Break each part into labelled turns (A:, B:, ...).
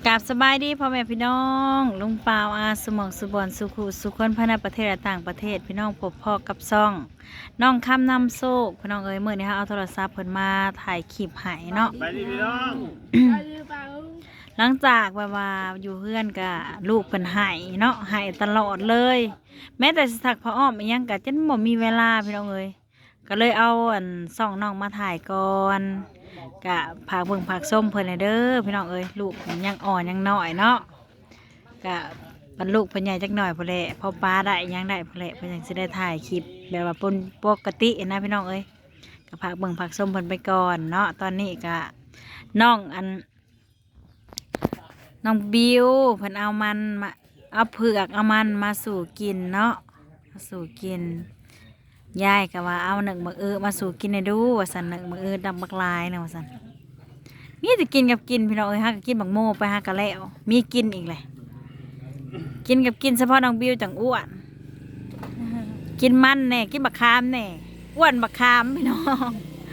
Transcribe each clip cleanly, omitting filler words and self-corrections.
A: กับสบายดีพ่อแม่พี่น้องลุงปาวอาสมองสุบอนสุขุสุขคนภายในประเทศและต่างประเทศพี่น้องพบพ่อกับซ่องน้องคำนำโซกพี่น้องเอ้ยเมื่อนี้เอาโทรศัพท์เพิ่นมาถ่ายคลิปให้เนาะ
B: ไปดิพี่น้อง
A: หลังจากว่าอยู่เพื่อนกับลูกเพิ่นให้เนาะให้ตลอดเลย แม้แต่สิทักพ่ออ้อมอีหยังก็จนบ่มีเวลาพี่น้องเอ้ยก็เลยเอาซ่องน้องมาถ่ายก่อนกะผักเบิ่งผักส้มเพิ่นเด้อพี่น้องเอ้ยลูกยังอ่อนยังน้อยเนาะกะบรรลุเพิ่นใหญ่จักหน่อยพุ่นแหละพอป้าได้ยังได้พุ่นแหละเพิ่นยังสิได้ถ่ายคลิปแบบว่าปกตินะพี่น้องเอ้ยกะผักเบิ่งผักส้มเพิ่นไปก่อนเนาะตอนนี้กะน้องน้องบิวเพิ่นเอามันมาเอาเผือกเอามันมาสู่กินเนาะมาสู่กินยายก็ว่าเอาหนึ่งบักมาสู่กินให้ดูว่าสันหนึ่งบักดำบักลายนะว่าสันนี่จะกินกับกินพี่น้องเอ้ยฮะก็กินบักโม่ไปฮะก็แล้วมีกินอีกเลยกินกับกินเฉพาะน้องบิวจังอ้วนกินมันแน่กินบักคามแน่อ้วนบักคามพี่น้อง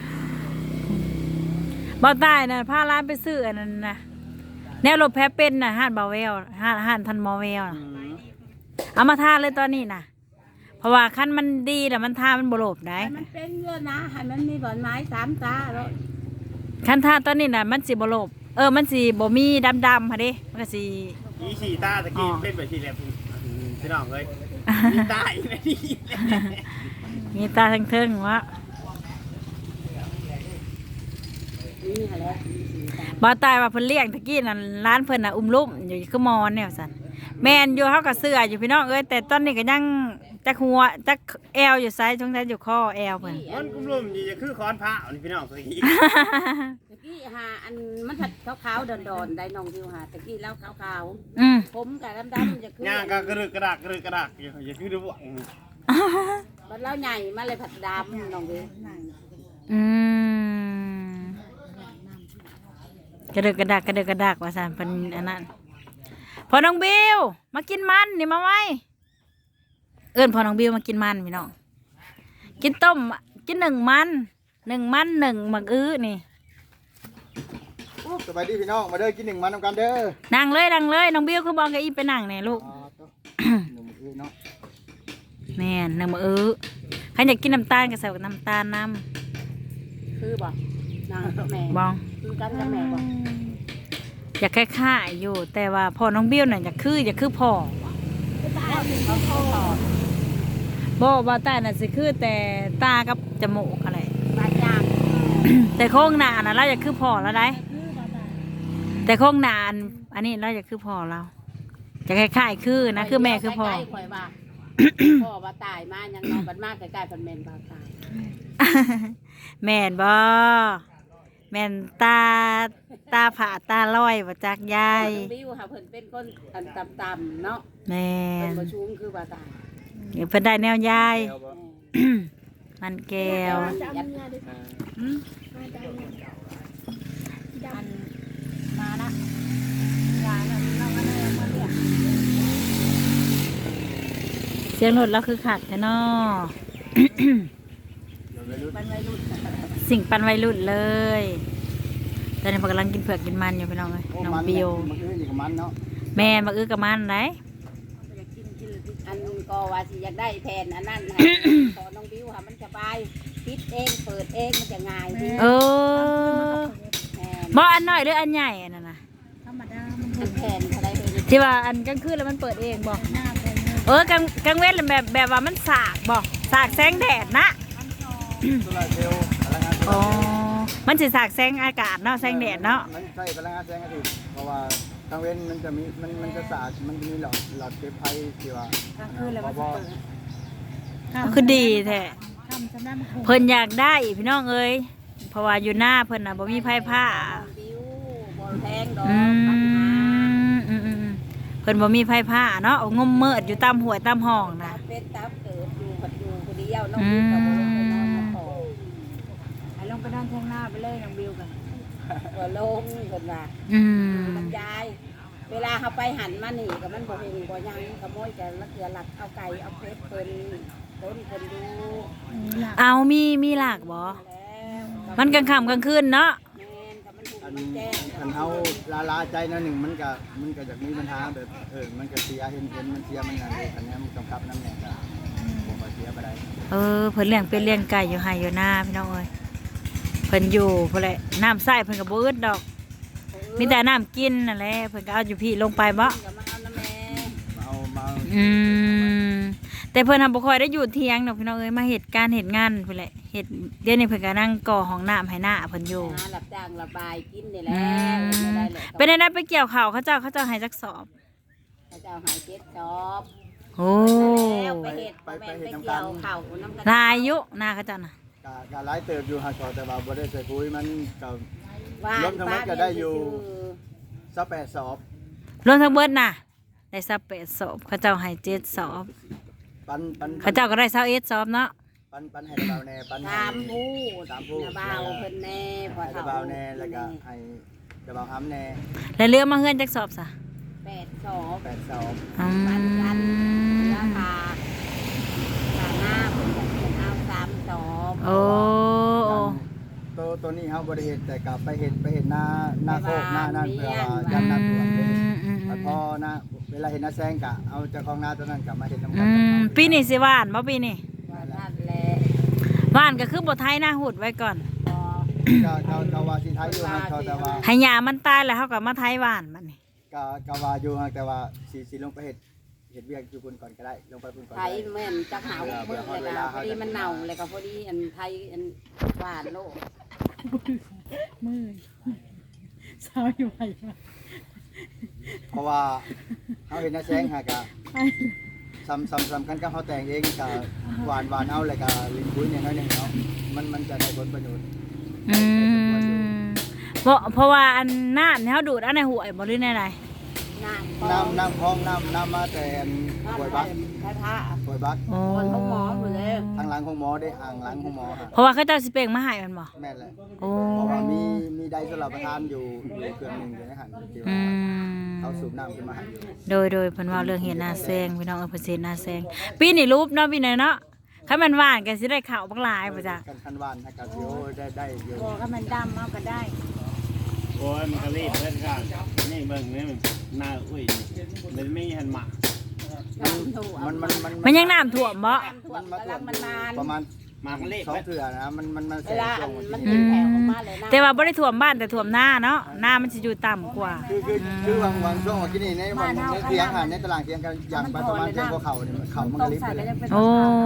A: บ่ตายนะพาร้านไปซื้ออันนั้นนะแนวรถแพ้เป็นนะห้านบาเวลห้านทันมอเวลนะเอามาทาเลยตอนนี้นะเพราะว่าคันมันดีแต่มันทามันบโลบได้
C: มันเป็นเยอะนะให้มันมีบอนไม้3 ตาแล้ว
A: คันทาตอนนี้นะมันสีบโลบมันสีบ่มีดำค่ะดิมันก็สี
B: อีฉีตาตะกี้เป็นแบบที่แหลมพี่น้องเลยมีตาอีกไหมนี่
A: มีตาทั้งเทิงวะ
C: นี่แหละ
A: บ่ตายว่าเพิ่นเลี้ยงตะกี้นั่นร้านเพิ่นน่ะลุ่มอยู่คือมอนเนี่ยสั่นแม่นอยู่เฮาก็เสื้ออยู่พี่น้องเอ้ยแต่ตอนนี้ก็ยังจักหัวจักแอวอยู่ไซส์ช่วงท้ายอยู่คอแอวเพิ่น
B: มันกุ้มลุ่มอยู่คือค้อนพระนี่พี่น้องตะกี้
C: ตะกี้หาอันมันถัดขาวๆดอนๆได้น้องวิวหาตะกี้แล้วขาวๆผมกับดำๆจะคื
B: อย่างก็กระดึกกระดักอย่าคือดูบ่วง
C: บัดแล้วใหญ่มาเลยผัดดำน้องวิว
A: กระดึกกระดักว่าซั่นเพิ่นอันนั้นพอน้องบิวมากินมันนี่มาไว้พอน้องบิวมากินมันพี่น้องกินต้มกินหนึ่งมันหนึ่งหมักนี่
D: สบายดีพี่น้องมาเด้อกิน1 มันนำกันเด้อ
A: นั่งเลยน้องบิวคือบอกกับอีไปนั่งเนี่ยลูกแม่นหนึ่งมักใครอยากกินน้ำตาลก็ใส่น้ำตาลน้
C: ำคือบ่นางแม่
A: บอง
C: คือกันกับแม่บ่
A: อยากคล้ายๆอยู่แต่ว่าพอน้องบิวน่ะอยากคือพ่อบ่ตาน่ะสิคือแต่ตากับจมูกอะไร
C: บาดยาง
A: แต่โค้งหน้าน่ะเราอยากคือพ่อแล้วได้แต่โค้งหน้าอันนี้เราอยากคือพ่อเราจะคล้ายๆคือนะคือแม่คือพ่อ
C: พ่อว่าตายมายังนอนบัดมากใกล้ๆพันแม่นบ่ตาย
A: แม่นบ่แม่นตาผ่าตาลอยบ่จักยาย
C: บิวค่ะเพิ่นเป็นคนต่ำๆเนาะ
A: แม่น
C: เพิ่นบ่ชูงคือบ่ตาย
A: เพิ่นได้แนวยายมันแก้ว
C: มาละยายน่ะน้องอันนี้มาเรียก
A: เสียงรถเราคือขัดแท้เนาะสิ่งปันวัยรุ่นเลยตอนนี้กำลังกินเผือกกินมันอยู่พี่น้องเลยน้องบิวแม่มากับมันไหน
C: อันก็ว่าสิอยากได้แทนอันนั้นขอน้องบิวค่ะมันสบายปิดเองเปิดเองมันจะง่าย
A: บ่อันน้อยหรืออันใหญ่อันนั้นนะ
C: ธรรมดามันแทนอะไรเลย
A: ที่ว่าอันกลางคืนแล้วมันเปิดเองบอกกลางเว้นแบบว่ามันสากบอกสากแสงแดดนะอ๋อมันจะสากแสงอากาศเนาะแสงแดดเนาะ
D: มันใช่พลังงานแสงอาทิตย์เพราะว่ากลางเว้นมันจะมีมันจะสากมันมีหลอดเก็บไฟที่ว่า
A: คือดีแท้เพิ่นอยากได้พี่น้องเอ้ยเพราะว่าอยู่หน้าเพิ่นน่ะบ่มีไฟผ้าเพิ่นบ่มีไฟผ้าเนาะงมเมิดอยู่ตามหัวตามห้องนะ
C: เป็นตามเกิดอยู่ปัดอยู่คนเดียวน้องบิวกับบ่ลงไปนอนขอให้ลงไปนอนแทงหน้าไปเลยน้องบิวกันบ่ลงเพิ่นว่ามันยายเวลาเขาไปหันมานี่กับมันบ่เห็นบ่ยังขโมยแต่ละเถื่อหลักเอาไก่เอาเพชรเพิ่นต้นเพิ่นดู
A: เอามีหลักบ่มันกลางค่ำกลางคืนเนาะ
D: อันเฮาลาใจนั่นหนึ่งมันก็อยากมีปัญหาแบบมันก็เสียเห็นมันเสียมันนั่นเลยคันนี้มันกำกับน้ำแหน่ก็บ่ค่อยเสียไปได้
A: เพิ่นเลี้ยงเป็ดเลี้ยงไก่อยู่ไห้อยู่หน้าพี่น้องเอ้ยเพิ่นอยู่พุ่นแหละน้ำใส่เพิ่นก็บ่อึดดอกมีแต่น้ำกินนั่นแหละเพิ่นก็เอาอยู่พี่ลงไปบ่
C: ก็มาเอาน้ำแม่
D: มา
A: แต่เพิ่นทำบ่ค่อยได้อยู่เที่ยงดอกพี่น้องเอ้ยมาเฮ็ดการเฮ็ดงานพุ่นแหละเฮ็ดเดี๋ยวนี้เพิ่นก็นั่งก่อห้องน้ำให้หน้าเพิ่นอยู่
C: หารับจ้างระบายกินนี่แหละไม่ได้แหละ
A: เป็นได้ไปเกี่ยวข้าวเขาเจ้าให้จักสอบ
C: พระเจ้าหายเจ็ดจอบ
A: โอ้
C: แล้วไปเฮ็ดไปเกี่ยวข้าวน้ำกัน
A: ลายอยู่หน้าเขาเจ้าน่ะ
D: การไล่เติบอยู่หาแต่ว่าบ่ได้ใส่ปุ๋ยมันก็
C: ว่าร
D: วมทั้งหมดก็ได้อยู่28สอบ
A: รวมทั้งเบิดน่ะได้28สอบเขาเจ้าให้7สอบ
D: ปัน
A: เขาเจ้าก็ได้21สอบเนาะ
D: ปันให้เบาแน่ปันให้
C: ตามผู้
D: ตามผู้
C: นาบ่าวเพิ่นแน่พอ
D: ให้
C: เฒ่า
D: เบาแน่แล้วก็ให้เบาห้ำแน่
A: แล้วเรือมาเฮือนจักสอบซะ
C: 8สอบ
D: 8สอบ
C: ปันกันราคาหน้าเพิ่นจะเอา3สอบ
A: โอ้
D: ตัวนี้เฮาบ่ได้เฮ็ดแต่ก็ไปเฮ็ดหน้าโคกหน้านั่นเพื่อว่ายันน้ำท่วมเลยพอนะเวลาเห็นน้าแซงกะเอาเจ้าของนาตัวนั้นกลับมาเห็นน้ำกัน
A: ปีนี้สิหวานบ่ปีนี้
C: ว่านั่นแหละ
A: หวานก็คือบ่ไทยหน้าหุดไว้ก่อน
C: พอ
D: ก็ว่าสิไทยอยู่ฮะแต่ว่า
A: ให้หญ้ามันตายแล้วเฮาก็มาไทยหวานบัดนี้
D: ก็ว่าอยู่ฮะแต่ว่าสิลงไปเฮ็ดเวียกอยู่พุ่นก่อนก็ได้ลงไปพุ่นก่อน
C: ไทยแม่นจักหามื้อเลยนะพอดีมันเน่าเลยก็พอดีอันไทยอันหวานโลก
A: สาวอยู่ไผ
D: เพราะว่าเฮาเห็นน้าแซงฮะก็สำคัญกับเฮาแต่งเองก็หวานเอาแล้วก็ลิงปุ้ยเนี่ยน้อยนึงเนาะมันจะได้ผลประโยชน์
A: เพราะว่าอันน้ำเนี่ยเฮาดูดเอาในห้วยบ่หรือในใด
D: น้ำคลองน้ำมาแต่ป่วยบัก
C: พระธาตุ
D: ป่วยบัก
A: โอ้
C: คนเขาหมอหมดเลย
D: ทางหลังของหมอได้อ่างหลังของหมอฮะ
A: เพราะว่าเขาเจ้าสิเป่งมาให้มันบ่
D: แม่นเลย
A: โอ้
D: เพราะว่ามีไดสลับประทานอยู่เครื่องหนึ่งอยู่ในหันที่ว่าเขาสูบน้ำขึ้นมาให้อยู่
A: โดยเพิ่นว่าเรื่องเฮ็ดนาแซงพี่น้องเพิ่นสิเฮ็ดนาแซงปีนี้รูปเนาะปีนี้เนาะคันมันหวานก็สิได้ข้าวบักหลายบ่จ้ะ
D: คันวานถ้ากาซิโอได้อยู่
C: บอกให้มันดำเอาก็ได้
B: โอ้ยมันก็รีบเพิ่นข้างนี่เบิ่งนี่มันหน้าอุ้ยมันไม่หันหมา
C: น้ำถั่ว
A: มันยังน้ำท่วมบ่
C: ถั่วกำลังมันนาน
D: ประมาณ
B: มามันรีบ
D: สองเถื่อนะมัน
C: เว
D: แสง
C: ลา
D: ช่วง
C: มัน
D: ที่
C: เป็นแถวออกมาเลยนะ
A: แต่ว่าบ่ได้ท่วมบ้านแต่ท่วมหน้าเนาะหน้ามันสิอยู่ต่ำกว่า
D: คือวางช่วงที่นี่ในวันเทียงหันในตลาดเทียงกันอย่างไปประมาณเทียงเขาเนี่ยเขามันก็ลิบไปเลย
A: โอ้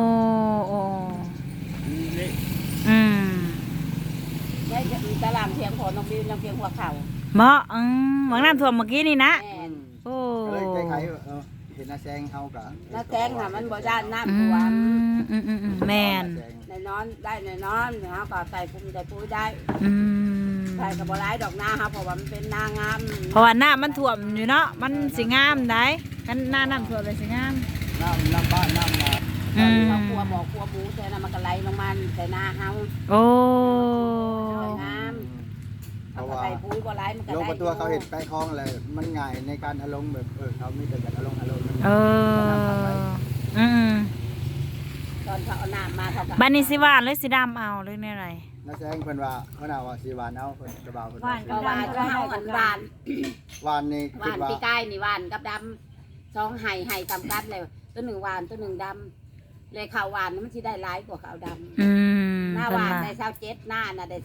A: อืม
C: ได้ตลาดเพียงพอน้องบิวน้องเพียงหัวเข่า
A: เหมาะหวังน้ำท่วมเมื่อกี้นี่นะ
C: แม่น
A: โอ้
D: เลยคล้ายๆเห็นน้าแซงเขากับ
C: น้าแกงค่ะมันบ่ด้านน้ำท่วม
A: แม่น
C: ในนอนได้ในนอนเนาะก็ใส่ปุ๋ยได้ปุ๋ยได้
A: อืม
C: ใส่กับบ่ร้ายดอกหน้าครับเพราะว่ามันเป็นนางาม
A: เพราะว่าหน้ามันท่วมอยู่เนาะมันสิงามได้กันหน้าน้ำท่วมเลยสิงาม
D: น้ำบ้านน้ำนา
C: เขาครัวบอกครัวหมูใส่น้ำมันก็ไหลลงมาใส่หน้าเฮา
A: โอ้
C: สวยงาม
D: เพ
C: เอา
D: ราะ
C: ก็
D: ว่า
C: ใส่ปุ๋ยบ่ร้ายมันก็
D: ลง
C: ได้
D: ประตูเขาเห็นใกล้คลองเลยมันง่ายในการอารมณ์แบบเขามีแต่การอารมณ์
A: เออืม
C: ตอนเขาเอาน้ำมาเขาก็
A: บันนี้สิหวานหรือสิดำเอาหรือเนี่ยอะไร
D: น้าแซงเพิ่นว่าเพิ่นว่าสีหวานเอาเพิ่นกระเบาเพิ่น
C: ก็หวานก็เฮาอันหวาน
D: หวานนี่
C: ห
D: คิ
C: วา
D: ด
C: น
D: ว่า
C: ปีกายนี่หวานกับดำสองไห่สำคัญเลยตัวหนึ่งหวานตัวหนึ่งดำเลยข้าวหวานมันสิได้หลายกว่าข้าวดำหน้าหวานได้27หน้าน่ะได้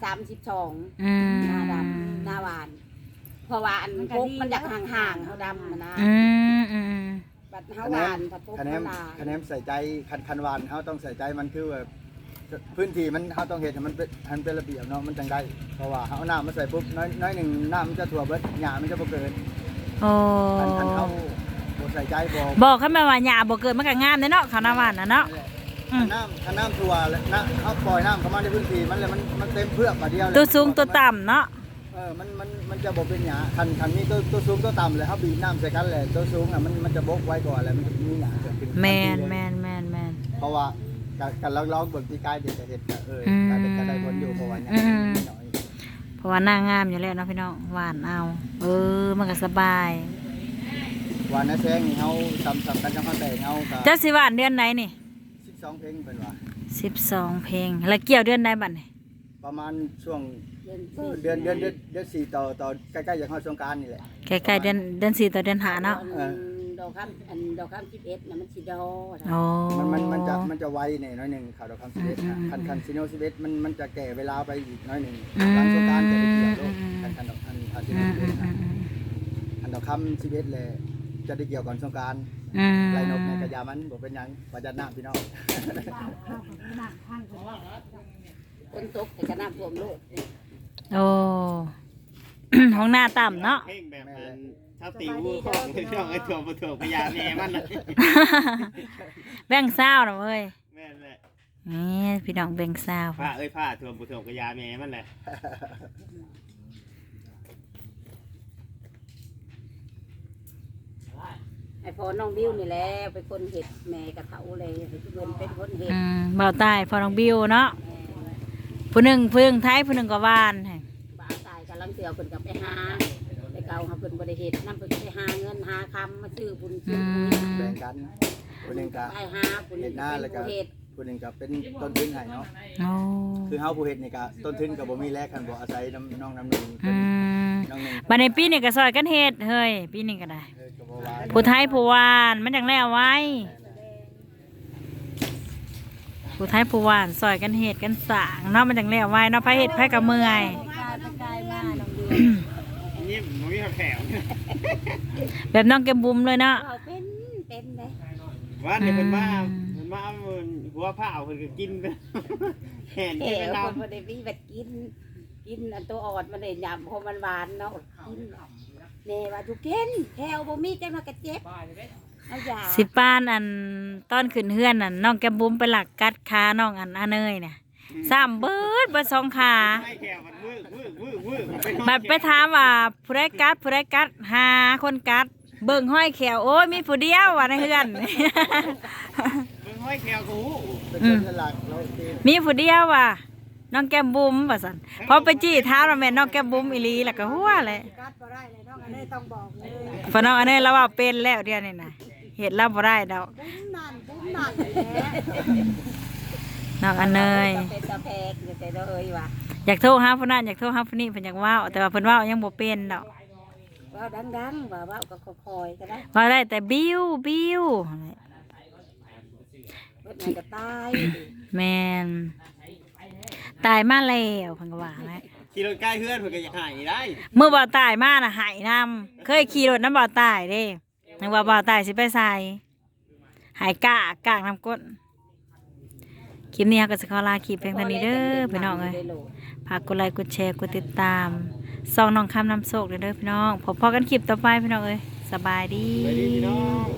C: 32 หน้าดำหน้าหวาน เพราะว่าอันพุกมันอยากห่างๆเขาดำนะบัดเฮาหวานผัดพุก
D: คะแน
C: มัน นลา
D: คะแนนใส่ใจคันหวานเขาต้องใส่ใจมันคือแบบพื้นที่มันเขาต้องเห็นให้มันเป็นระเบียบเนาะมันจังได้เพราะว่าเขาน้ำมาใส่ปุ๊บน้อยหนึ่งน้ำมันจะถั่วเบิดหญ้ามันจะบ่เกิด
A: โอ้
D: คันเขาบ่ใส่ใจบ่
A: บอกขึ้นมาว่าหญ้าบ่เกิดมันก็งามเนาะข้าวหน้าหวานนะเนาะ
D: คันน้ำถั่วแล้วนะเขาปล่อยน้ำเข้ามาในพื้นที่มันเลยมันเต็มเพือกมาเดียวเลย
A: ตัวสูงตัวต่ำเนาะ
D: มันจะบ่เป็นหญ้าคันมีตัวสูงตัวต่ำเลยเขาบีบน้ำใส่กันเลยตัวสูงอ่ะมันจะบกไว้ก่อนแล้วมันจะมีหญ้าเกิดขึ้น
A: แมน
D: เพราะว่าการลองบนที่กายเด็กจะเห็นก็ได้ผลอยู่เพราะว่าหญ้ามันน้อย
A: เพราะว่าหน้างามอยู่แล้วเนาะพี่น้องหวานเอามันก็สบาย
D: วันนั้นแซงนี่เขาสำคัญจังเขาแต่งเขาก็
A: เจ้าสิหวานเดือนไหนนี่
D: 12เพลงเป็นว่า
A: 12 เพลงแล้วเกี่ยวเดือนใดบัดนี่
D: ประมาณช่วง
C: เดือน
D: เดือน4ต่อใกล้ๆอย่างเข้าสงกรานต์นี่แหละ
A: ใกล้ๆเดือน4ต่อเดือน5เนาะ
C: ดอกคำดอกคำ11น่ะมันสิดอ
A: โอ้
D: มันจะไวหน่อยหนึงข่าวดอกคำ11นะคันซิโน11มันจะแก่เวลาไปอีกน้อยหนึงหลังสงกรานต์จะได้เกี่ยวโลกคันดอกคันซิโน11นะคันดอกคำ11เลยจะได้เกี่ยวก่อนสงกรานต์ไรนกในกระยามันบ่เป็นหยังประจันน้ำพี่น้อง
C: ฝนตกแต่ก็น้ำท่วมโลก
A: โอ้ ห้องหน้าต่ำเนาะ
B: เพลงแบบนั้นชาวติวของช่องไอ้ถ่วงบ่ถ่วงพญาแม่มันน่ะ
A: แบ่งเศร้านะเว้ย
B: แม่นแหละ
A: นี่พี่น้องแบ่งเศร้า
B: ผ้าเอ้ยผ้าถ่วงบ่ถ่วงพญาแม่มันแหละ
C: ไอ้พอน้องบิวนี่แหละเป็นคนเห็ดแม่กระเถาเลยให้ทุกคนเป็นคนเห็ด
A: เบาใต้พอน้องบิวเนาะผู้หนึ่งเพิ่งไทยผู้หนึ่งก็ว่านให้
C: บ้าตายกำลังเสือเพิ่นกับไปหาไปเก่าหาเพิ่นบ่ได้เฮ็ดนำเพิ่นไปหาเงินหาคำมาซื้อบุญซื้อปุ๋ย
D: แบ่งกันคนหนึงก็
C: ไปหาผู้นึงเป็นผู้เฮ็ด
D: คนหนึงก็เป็นต้นทุนให้เนาะ
A: โอ้
D: คือเฮาผู้เฮ็ดนี่ก็ต้นทุนก็บ่มีแลกกันบ่อาศัยน้องน้ำหนึง
A: อืม
D: น้องหนึง
A: บัดในปีนี้ก็ซอยกันเฮ็ดเฮ้ยปีนี้ก็ได้
D: ก็บ่ว่า
A: ผู้ไทยผู้วานมันจังแล้วไว้ผู้ไทยผู้วานซอยกันเฮ็ดกันสร้างเนาะมันจังแล้วไว้เนาะไผเฮ็ดไผก็เมื่อย
C: กายมาน้องเดือน
B: นี่บ่มีแถว
A: แบบน้องแก้มบุ๋มเลยเนาะ
C: เราเป็นเลย
B: ว่าเนี่ยเพิ่นมาเอาหัวผ้าเพิ่นก็กินไปแห่น
C: แก่
B: ไป
C: คน
B: นำ
C: บ่ได้มีแบบกินอันตัวอ่อนมันได้ยำเพราะมันหวานเนาะกินแน่ว่าทุกเกินแถวบ่มีจังว่ากระเจ็บเอาอย่า
A: สิป้านอันต้นขึ้นเฮือนอันน้องแก้มบุ๋มไปหลักกัดขาน้องอันอาเนยเนี่ย3เบิด2ขา
B: ไม่แถวมันวื้อๆ
A: บัดไปถามว่าผู้ใดกัดหาคนกัดเบิ่งห้อยแขวโอ้ยมีผู้เดียวว่าในเฮือน
B: มึงห้อยแถวกู
D: เป็นคนฉลาดเราเอง
A: มีผู้เดียวว่ะน้องแก้มบุ๋มว่าซั่นพอไปจี้เท้าแล้วแม่นน้องแก้มบุ๋มอีหลีแล้วก็หัวเลย
C: กัดบ่ได้เลยน้องอันนี้ต้องบอกเลย
A: พอน้องอันนี้เราว่าเป็นแล้วเดียวนี่นะเฮ็ดแล้วบ่ได้ดอก
C: บุ้มนั่นแหละ
A: น้องอันเนย
C: เป็นตะแพกอยู่แต่เลยว่ะ
A: อยากโทรหาผู้นั้นอยากโทรหาผู้นี้เพิ่นอยากเว้าแต่ว่าเพิ่นเว้ายังบ่เป็นดอก
C: ว่าดังๆว่าก็คอยๆก็ได้
A: เว้าได้แต่บิ้ว
C: เพิ่นก็ตาย
A: แม่นตายมาแล้วเพิ่นก็ว่าแหละ
B: ขี่รถใกล้เพื่อนเพิ่นก็อยากหายได้
A: เมื่อบ่าวตายมาน่ะหายนำเคยขี่รถน้ำบ่าวตายเด้นึกว่าบ่าวตายสิไปใส่หายกากน้ำก้นคลิปนี้เราก็สิขอลาคลิปเพียงเท่านี้เด้อพี่น้องเอ้ยฝากกดไลค์กดแชร์กดติดตามส่องน้องคำน้ำโศกเด้อพี่น้องพบกันคลิปต่อไปพี่น้องเอ้ยสบายดี
B: ไปดีพี่น้อง